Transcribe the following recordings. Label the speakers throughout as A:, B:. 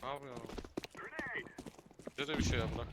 A: Ne yapıyorsun? Bize de bir şey yap lan.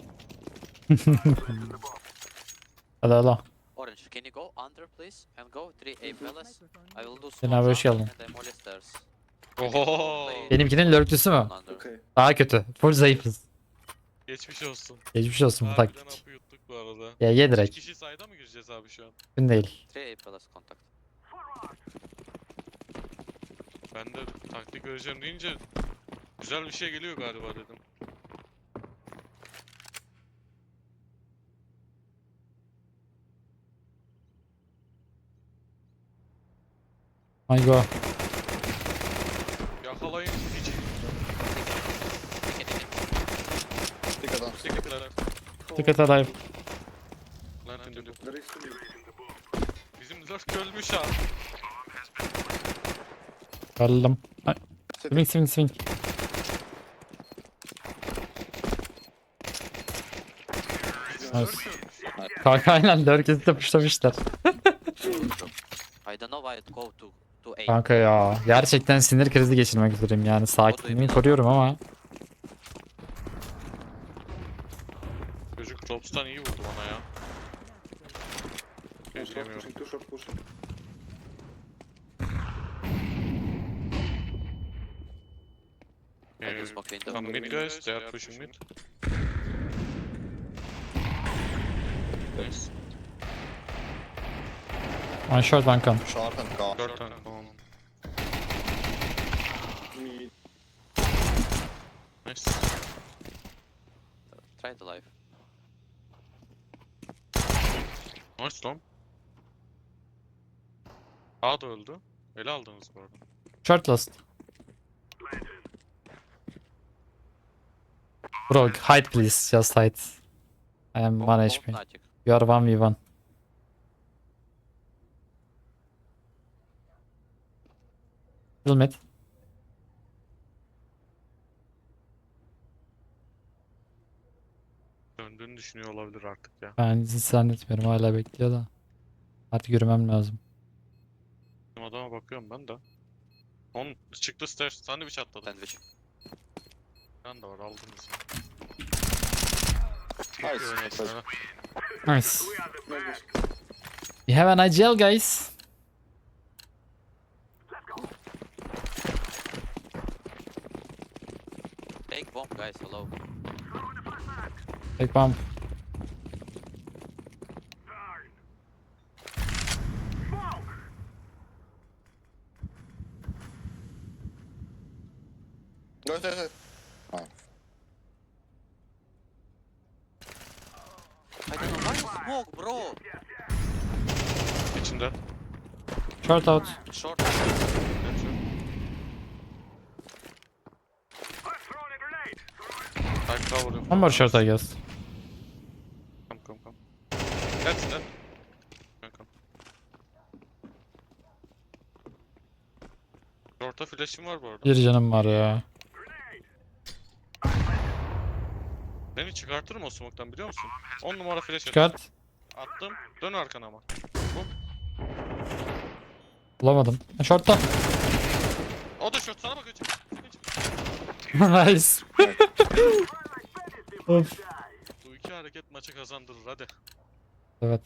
B: Hadi hadi.
C: Orange, can you go under please? And go 3A palace. I will do
B: Cenab-ı
C: small
B: hoş
C: jump
B: geldin.
C: and I'm molly stairs.
A: Oho.
B: Benimkinin lurklüsü mü?
C: Under.
D: Okay.
B: Daha kötü. Full zayıfız.
A: Geçmiş olsun.
B: Geçmiş olsun bu
A: Harbiden
B: taktik.
A: hapı yuttuk bu arada.
B: Ya ye
A: 3
B: direkt.
A: kişi sayda mı gireceğiz abi şu an?
B: Mümkün değil.
C: 3A palace contact.
A: Ben de taktik göreceğim deyince güzel bir şey geliyor galiba dedim.
B: Ay go.
A: Yakalayın hiç.
D: Take it down.
A: Teşekkürler.
B: Dikkat alive.
A: Lan dedim.
D: There is two.
A: Bizim lurk ölmüş ha.
B: Öldüm. Ay,
D: City.
B: swing.
A: Bizim
B: Nice.
A: lurk ölmüş.
B: Kanka aynen lurkesi de puşlamışlar.
C: I don't know why it go to A.
B: Kanka ya. Gerçekten sinir krizi geçirmek üzereyim yani. Sakinliğimi koruyorum ama.
A: Çocuk Robs'tan iyi vurdu bana ya.
D: Two short
A: Geçemiyorum.
D: pushing, two short pushing.
C: I can smoke window.
A: Come mid guys, they are pushing mid. Nice.
B: One short one con.
D: Short and gone.
A: 4 tane tamam.
D: Mid.
A: Nice.
C: Try the life.
A: Nice lan. A da öldü. Ele aldınız bu arada.
B: Short last. Bro hide please. Just hide. I am 1 HP.
C: Fnatic.
B: You are 1v1. Kill mid.
A: Döndüğünü düşünüyor olabilir artık ya.
B: Ben hiç zannetmiyorum, hala bekliyor da. Artık yürümem lazım.
A: Bizim adama bakıyorum ben de. On çıktı stairs. Sandviç atladı.
C: Sandwich.
A: Ben de var aldınız.
D: Nice.
A: Nice.
D: Nice.
B: Nice.
D: Nice.
B: We have an IGL guys.
C: Take bomb guys, hello.
B: Take bomb.
D: Go ahead. Oh.
C: I don't know why you smoke bro.
A: İçinde.
B: Short out.
C: Short.
A: Type cover.
B: One more short I guess.
A: Come. That's that. Come. Short'a flash'im var bu arada.
B: Bir canım var ya.
A: Beni çıkartırım o smoke'tan biliyor musun? 10 numara flash
B: Çıkart.
A: attım. Dön arkana ama.
B: Bulamadım. Short'ta.
A: O da short sana bakıyor. Çık.
B: Nice. Of.
A: Bu iki hareket maçı kazandırır hadi.
B: Evet.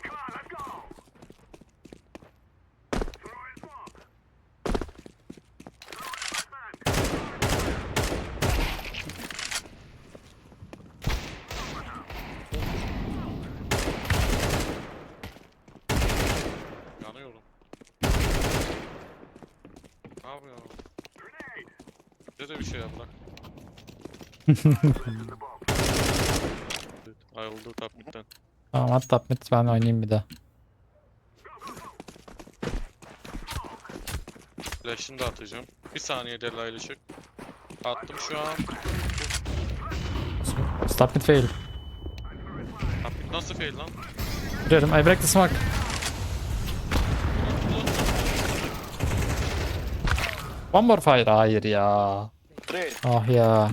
A: Yanıyorum. Ne yapıyorsun? Bize de bir şey yap lan. Ayrıldı top mid'den.
B: Tamam at top mid, ben oynayayım bir de.
A: Flash'ını da atacağım. Bir saniye delaylı çık. Attım şu an.
B: Stop mid fail.
A: Top mid nasıl fail lan?
B: Vuruyorum. I break the smoke. One more fire. Hayır ya.
D: Three.
B: Ah ya.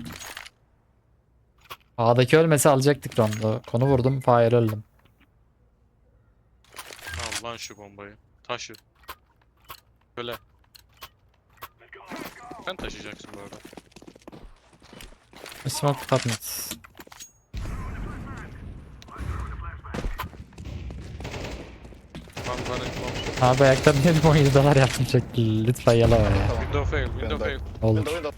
B: A'daki ölmese alacaktık round'u. Konu vurdum, fire öldüm.
A: Al lan şu bombayı. Taşı. Böyle. Sen taşıyacaksın bu arada.
B: Smoke apartments.
A: I'm running long.
B: Abi ayakta niye bir 17 dolar yaptım sürekli. Lütfen yala var ya.
D: Tamam.
A: Window fail, window
D: Ben de-
A: fail.
B: Olur.
D: Window.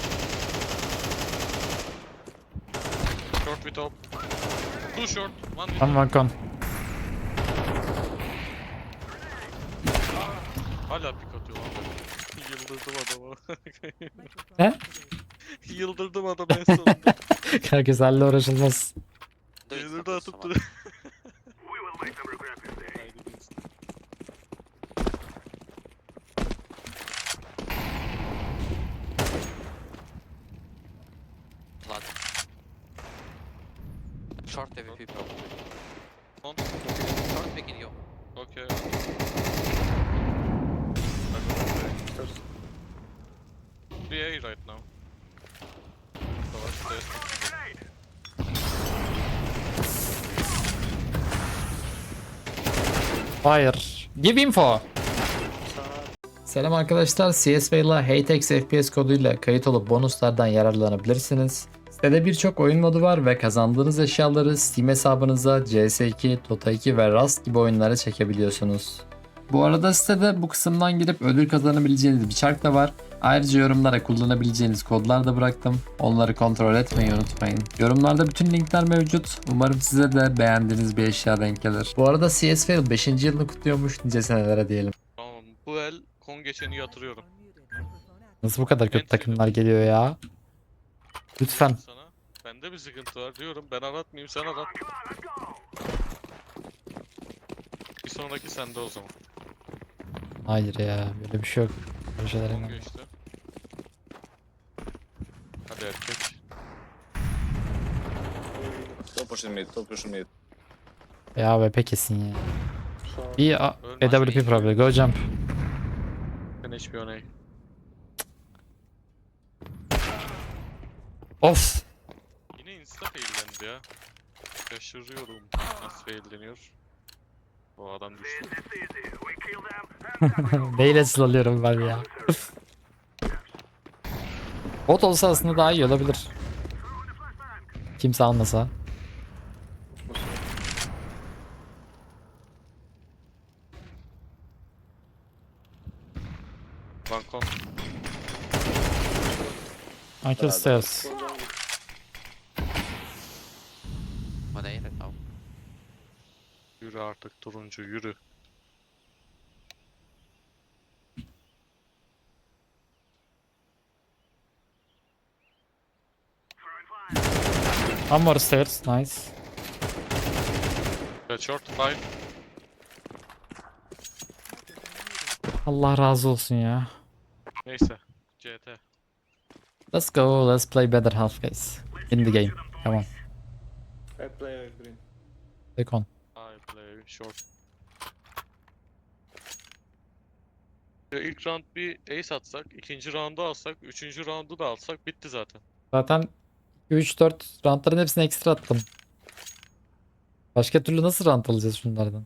A: Short with top. Two short, one with
B: Tam balkon.
A: Hala pik atıyor lan. Yıldırdım adamı.
B: Ne?
A: Yıldırdım adamı en sonunda.
B: Herkes halle uğraşılmaz.
C: Do it,
A: Yıldırdı
C: do
A: atıp
C: someone.
A: duruyor. Haydi biz.
C: Blood. Short AWP probably.
A: On.
C: Short picking you.
A: Okay.
D: First.
A: We A right now. Savaş test.
B: Fire. Give info. Selam arkadaşlar. CS:GO ile HTX FPS koduyla kayıt olup bonuslardan yararlanabilirsiniz. Sitede birçok oyun modu var ve kazandığınız eşyaları Steam hesabınıza CS2, Dota 2 ve Rust gibi oyunlara çekebiliyorsunuz. Bu arada sitede bu kısımdan girip ödül kazanabileceğiniz bir çark da var. Ayrıca yorumlara kullanabileceğiniz kodlar da bıraktım. Onları kontrol etmeyi unutmayın. Yorumlarda bütün linkler mevcut. Umarım size de beğendiğiniz bir eşya denk gelir. Bu arada CS:GO 5. yılını kutluyormuş, nice senelere diyelim.
A: Tamam. Bu el kon geçeni yatırıyorum.
B: Nasıl bu kadar kötü takımlar geliyor ya? Lütfen.
A: Sana. Bende bir sıkıntı var diyorum. Ben aratmayayım, sen arat. Bir sonraki sende o zaman.
B: Hayır ya, böyle bir şey yok. Böyle şeyler
A: Kon
B: inanmam.
A: geçti. Hadi erkek.
D: Top pushing mid. Top pushing mid.
B: Ya VP kesin ya.
D: Short.
B: Bir AWP probably. Go jump.
A: Ben HP on A.
B: Of.
A: Yine insta faillendi ya. Şaşırıyorum. Nasıl failleniyor? O adam düştü.
B: Neyle sılalıyorum ben ya. Bot olsa aslında daha iyi olabilir. Kimse almasa.
A: Balkon.
B: Uncle stairs.
C: One A right now.
A: Yürü artık turuncu yürü.
B: One more stairs. Nice.
A: Red short 5.
B: Allah razı olsun ya.
A: Neyse. CT.
B: Let's go. Let's play better half guys. In the game. Come on.
D: I play green.
B: Take on.
A: I play short. Ya ilk round bir ace atsak, ikinci roundu alsak, üçüncü roundu da alsak bitti zaten.
B: Zaten 3-4 roundların hepsini ekstra attım. Başka türlü nasıl round alacağız şunlardan?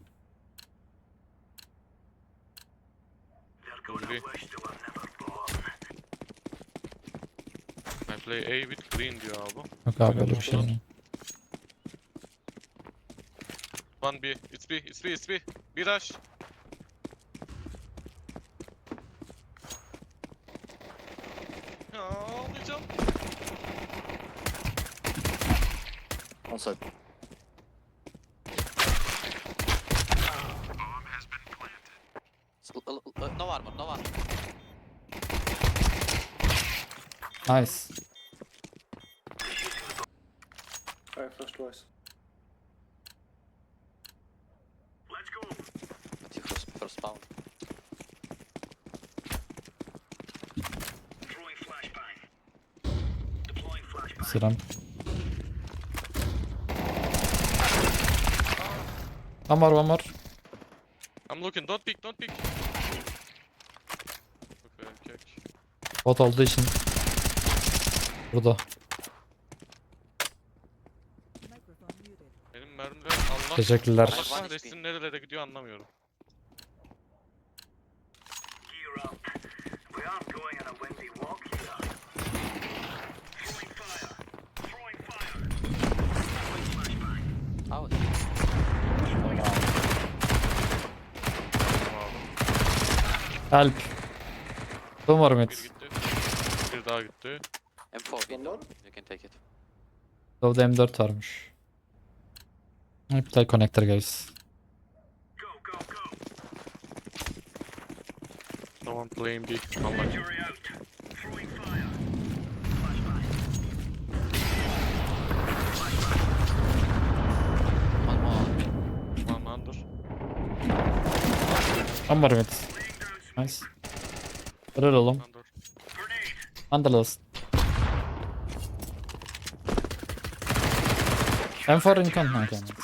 A: Yürü. I play A with green diyor abi.
B: Yok abi öyle bir şey değil.
A: One B. It's B. It's B. It's B. Bir rush. Ya ağlayacağım.
D: On side.
C: No armor, no armor.
B: Nice.
D: I flash twice.
C: But you first spawn.
B: Sıram. One more.
A: I'm looking. Don't peek. Don't peek. Okay, erkek.
B: Bot olduğu için. Burada.
A: Benim mermiler Allah
B: Teşekkürler.
A: Allah kahretsin nerelere gidiyor anlamıyorum.
B: Help. Two more mid.
A: Bir gitti. Bir daha gitti.
C: M4
D: One
C: window.
D: more?
C: You can take it.
B: Low'da M4 varmış. Play connector guys.
A: Someone playing B. Unlucky.
C: One more.
A: One under.
B: One more mid. Nice. Helal oğlum.
A: Under.
B: Underlist. M4 in con. Okay, nice.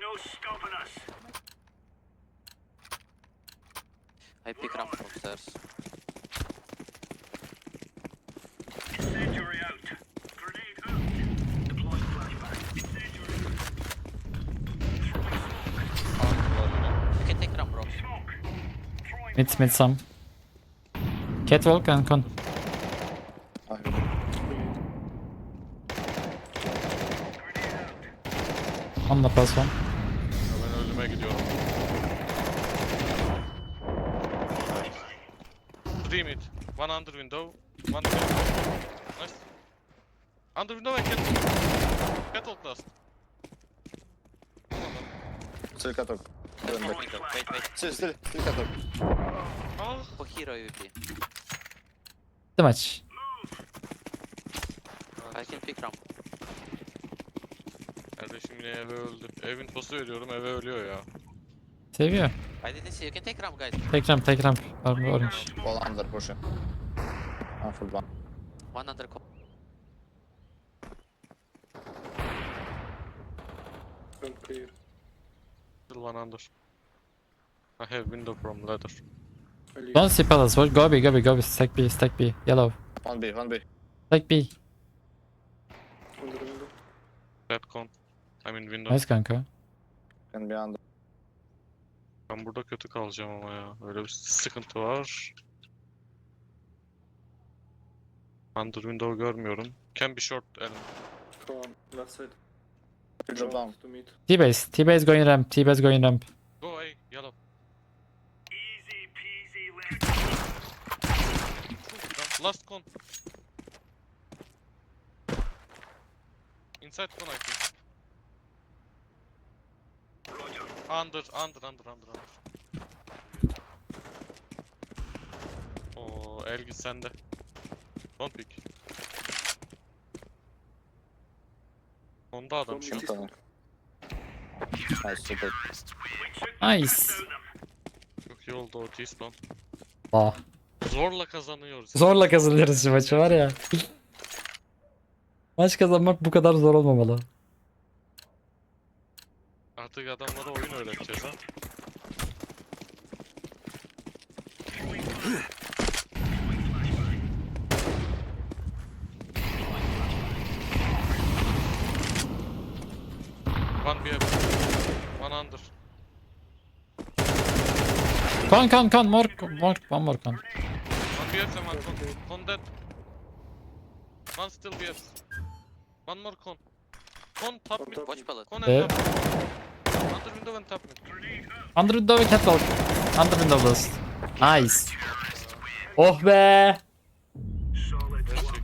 C: I pick ramp from stairs. You can take ramp, bro.
B: Mid some. Catwalk and con.
D: I have
B: On the plus one.
A: Ya ben ölüme gidiyorum. Three mid. One under window. One mid. Nice. Under window and cat. Catwalk last.
D: still katok.
C: There's more window. Wait, wait.
D: Still katok.
A: Ah.
C: For hero UP.
B: Too much.
C: I can pick ramp.
A: Kardeşim yine eve öldü. Ev infosu veriyorum, eve ölüyor ya.
B: Seviyor.
C: I didn't see. You can take ramp, guys.
B: Take ramp. Orange.
D: All under pushing. I'm full one.
C: One under.
D: Front clear.
A: Still one under. I have window from ladder.
D: I leave.
B: Don't see palace. Go B. Stack B. Yellow.
D: 1B.
B: Stack B.
D: Under window.
A: Red con. I mean window.
B: Nice kanka.
D: Can be under.
A: Ben burada kötü kalacağım ama ya. Öyle bir sıkıntı var. Under window görmüyorum. Can be short element.
D: Come on, left side.
E: Drop down.
D: To meet.
B: T-base going ramp.
A: Go away, yellow. Last con. Inside con I think. Under. Oo, Elgin sende. Don't pick. Onda adam şu an.
E: Tamam. Nice, super.
B: Nice.
A: Çok iyi oldu o T-spawn.
B: Ah.
A: Zorla kazanıyoruz.
B: Zorla kazanıyoruz şu maçı var ya. Maç kazanmak bu kadar zor olmamalı.
A: Artık adamlara oyun öğreteceğiz ha. One BF. One under.
B: Con. One more con.
A: One BF and one con. Con dead. One still BF. One more con. Con top mid.
C: Watch pallet.
A: Con
B: Yeah.
A: and top mid. Under window and top mid.
B: Under window ve catwalk. Under window last. Nice. Oh be.